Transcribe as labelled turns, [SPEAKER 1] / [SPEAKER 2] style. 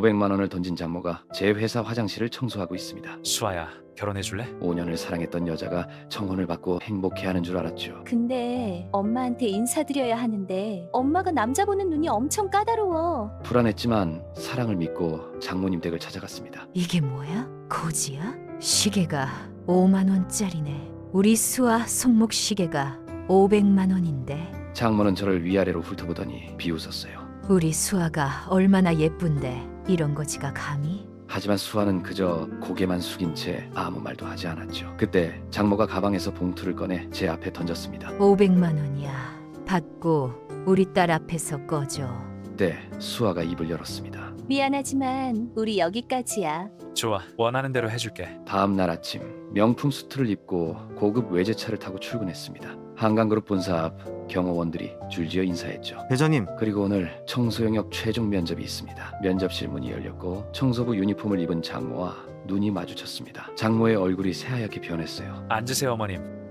[SPEAKER 1] 500만 원을 던진 장모가 제 회사 화장실을 청소하고 있습니다.
[SPEAKER 2] 수아야, 결혼해줄래?
[SPEAKER 1] 5년을 사랑했던 여자가 청혼을 받고 행복해하는 줄 알았죠.
[SPEAKER 3] 근데 엄마한테 인사드려야 하는데 엄마가 남자 보는 눈이 엄청 까다로워.
[SPEAKER 1] 불안했지만 사랑을 믿고 장모님 댁을 찾아갔습니다.
[SPEAKER 4] 이게 뭐야? 고지야? 시계가 5만 원짜리네. 우리 수아 손목 시계가 500만 원인데.
[SPEAKER 1] 장모는 저를 위아래로 훑어보더니 비웃었어요.
[SPEAKER 4] 우리 수아가 얼마나 예쁜데 이런 거지가 감히?
[SPEAKER 1] 하지만 수아는 그저 고개만 숙인 채 아무 말도 하지 않았죠. 그때 장모가 가방에서 봉투를 꺼내 제 앞에 던졌습니다.
[SPEAKER 4] 500만 원이야. 받고 우리 딸 앞에서 꺼줘.
[SPEAKER 1] 그때 수아가 입을 열었습니다.
[SPEAKER 3] 미안하지만 우리 여기까지야.
[SPEAKER 2] 좋아, 원하는 대로 해줄게.
[SPEAKER 1] 다음 날 아침 명품 수트를 입고 고급 외제차를 타고 출근했습니다. 한강그룹 본사 앞 경호원들이 줄지어 인사했죠.
[SPEAKER 5] 대장님,
[SPEAKER 1] 그리고 오늘 청소 영역 최종 면접이 있습니다. 면접실 문이 열렸고 청소부 유니폼을 입은 장모와 눈이 마주쳤습니다. 장모의 얼굴이 새하얗게 변했어요.
[SPEAKER 2] 앉으세요, 어머님.